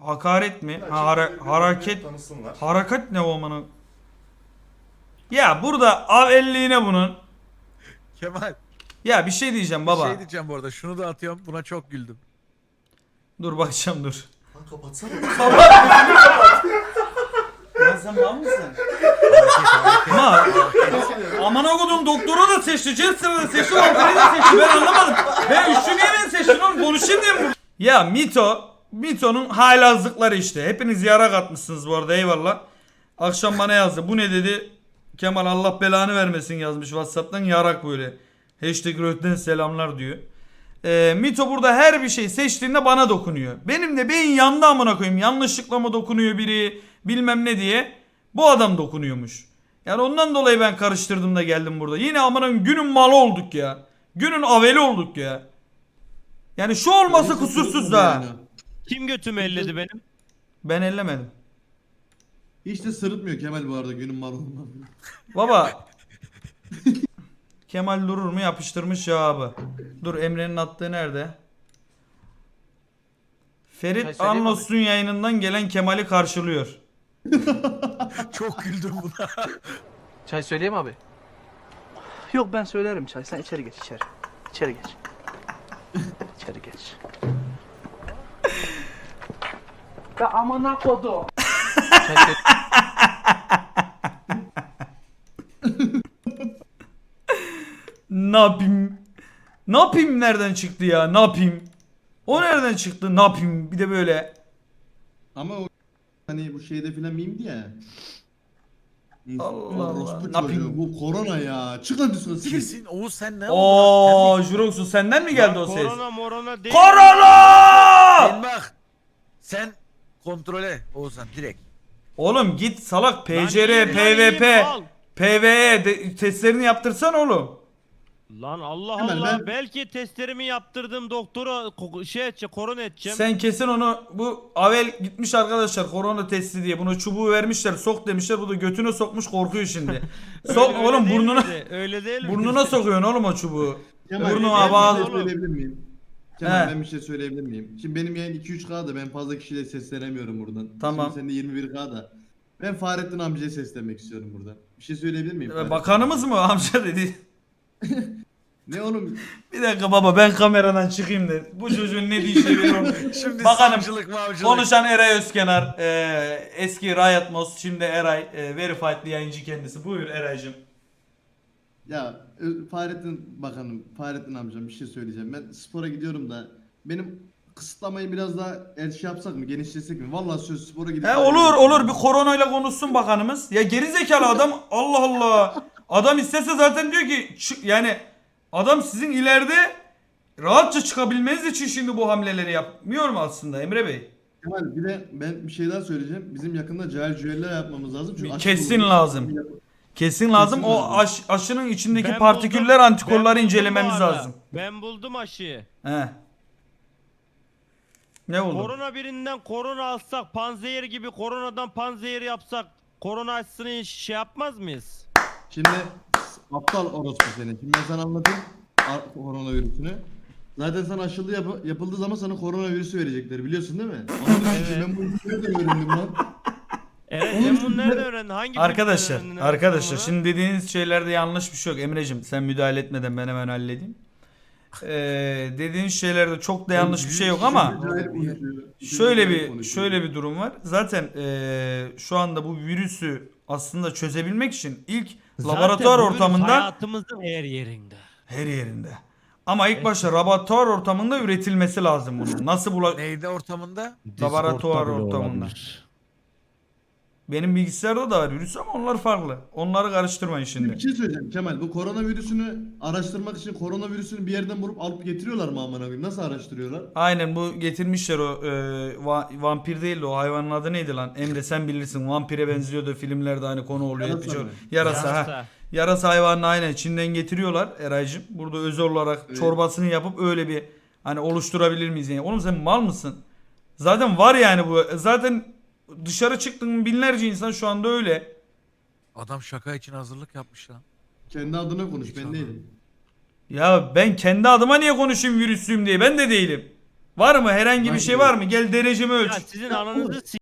hakaret mi? Ya, Ha, çekil, hareket. tanısınlar. Harakat ne o amına? Ya burada avelliğine bunun. Kemal Ya bir şey diyeceğim bir baba. şey diyeceğim bu arada. Şunu da atıyorum. Buna çok güldüm. Dur bakacağım dur. Lan kapatsana. Lan sen mal mısın? Ama aman okudum doktoru da seçti, Jester'ı da seçti, Walter'ı da seçti. Ben anlamadım. Ben üçlü niye ben seçtin oğlum? Konuşayım diye mi? Ya Mito'nun haylazlıkları işte. Hepiniz yara katmışsınız bu arada, eyvallah. Akşam bana yazdı. Bu ne dedi? Kemal Allah belanı vermesin yazmış WhatsApp'tan, yarak böyle. Hashtag Röhten selamlar diyor. Mito burada her bir şey seçtiğinde bana dokunuyor. Benim de beyin yandı amına koyayım. Yanlışlıkla mı dokunuyor biri bilmem ne diye. Bu adam dokunuyormuş. Yani ondan dolayı ben karıştırdım da geldim burada. Yine amanın günün malı olduk ya. Günün aveli olduk ya. Yani şu olması kusursuz da. Kim götümü elledi benim? Ben ellemedim. Hiç de sırıtmıyor Kemal bu arada günün malı olmaz. Baba. Kemal durur mu? Yapıştırmış cevabı. Dur, Emre'nin attığı nerede? Ferit Anlos'un yayınından gelen Kemal'i karşılıyor. Çok güldüm buna. Çay söyleyeyim abi. Yok ben söylerim çay. Sen içeri geç içeri. İçeri geç. İçeri geç. Ya amına kodu. Çay söyle. Ne yapayım? Ne yapayım nereden çıktı ya? Ne yapayım? O nereden çıktı? Ne yapayım? Bir de böyle. Ama o hani bu şeyde filan miyimdi ya. Allah Allah. Orospu Ne çocuğu, yapayım? bu korona ya. Çıkın dışına siz. Kesin Oğuz sen ne oldun? Oo, Jurox'u senden mi geldi o ses? Korona morona değil. Korona! Sen bak. Sen kontrole Oğuzhan direkt. Oğlum git salak, Lan PCR, iyiyim, lan PVP, iyiyim, al. PVE testlerini yaptırsan oğlum. Lan Allah Hemen Allah. ben- Belki testlerimi yaptırdım doktora şey edeceğim, korona edeceğim. Sen kesin onu, bu Avel gitmiş arkadaşlar korona testi diye, buna çubuğu vermişler, sok demişler, bu da götüne sokmuş, korkuyor şimdi. Sok Öyle oğlum, değil burnuna miydi? Öyle değil mi? burnuna sokuyorsun oğlum o çubuğu. Kemal, Burnuma ben bağlı. bir şey söyleyebilir miyim? Kemal He. ben bir şey söyleyebilir miyim? Şimdi benim yayın 2-3K'da, ben fazla kişiyle seslenemiyorum buradan. Tamam. Şimdi senin de 21K'da. Ben Fahrettin amcaya seslenmek istiyorum buradan. Bir şey söyleyebilir miyim? Fahrettin Bakanımız amca? mı amca dedi. Ne oğlum? Bir dakika baba, ben kameradan çıkayım da bu çocuğun ne diyeceğini bilmiyorum. Şimdi Bakanım, savcılık mavcılık. konuşan Eray Özkenar, eski Riot Mouse, şimdi Eray, Verified'li yayıncı kendisi. Buyur Eray'cım. Ya Fahrettin Bakanım, Fahrettin amcam bir şey söyleyeceğim. Ben spora gidiyorum da benim kısıtlamayı biraz daha şey yapsak mı, genişletsek mi? Vallahi söz spora gidip... Olur bir koronayla konuşsun bakanımız. Ya gerizekalı adam, Allah Allah. Adam istese zaten diyor ki yani adam sizin ileride rahatça çıkabilmeniz için şimdi bu hamleleri yapmıyor mu aslında Emre Bey? Kemal, bir de ben bir şey daha söyleyeceğim. Bizim yakında cahil cüeller yapmamız lazım. Çünkü aşı Kesin bulundu. lazım. Kesin lazım. Kesin O lazım. aşının içindeki Ben partiküller, buldum, antikorları ben buldum incelememiz bu arada. lazım. Ben buldum aşıyı. He. Ne oldu? Korona birinden korona alsak, panzehir gibi koronadan panzehir yapsak, korona aşısını şey yapmaz mıyız? Şimdi aptal orospu seni. Şimdi ben sana anlatayım koronavirüsünü. Zaten sana aşılı yapıldığı zaman sana koronavirüsü verecekler, biliyorsun değil mi? Ben bu işi nereden öğrendim lan? Evet, sen bunu nereden öğrendin? Hangi Arkadaşlar, filmden öğrendin arkadaşlar bunu? şimdi dediğiniz şeylerde yanlış bir şey yok. Emreciğim sen müdahale etmeden ben hemen halledeyim. Dediğiniz şeylerde çok da yanlış bir şey yok ama şöyle bir durum var. Zaten şu anda bu virüsü aslında çözebilmek için ilk Zaten laboratuvar bu virüs ortamında, hayatımızın her yerinde. her yerinde. Ama ilk başta laboratuvar ortamında üretilmesi lazım bunun. Nasıl Neydi ortamında? laboratuvar ortamında. Benim bilgisayarda da var virüs ama onlar farklı. Onları karıştırmayın Şimdi şimdi. bir şey söyleyeceğim Kemal. Bu koronavirüsünü araştırmak için koronavirüsünü bir yerden bulup alıp getiriyorlar mı amına koyayım? Nasıl araştırıyorlar? Aynen, bu getirmişler o vampir değil de o hayvanın adı neydi lan? Emre sen bilirsin, vampire benziyordu filmlerde, hani konu oluyor. Yarasa hep bir şey- mı? Yarasa, ha. Yarasa. Yarasa hayvanını aynen Çin'den getiriyorlar Eraycığım. Burada özel olarak Evet. çorbasını yapıp öyle bir hani oluşturabilir miyiz yani? Oğlum sen mal mısın? Zaten var yani bu. Zaten dışarı çıktın binlerce insan şu anda öyle. Adam şaka için hazırlık yapmış lan. Kendi adına konuş, Hiç ben anlamadım. değilim. Ya ben kendi adıma niye konuşayım virüslüyüm diye? Ben de değilim. Var mı? Herhangi bir şey var mı? Gel derecemi ölç. Ya sizin ananızı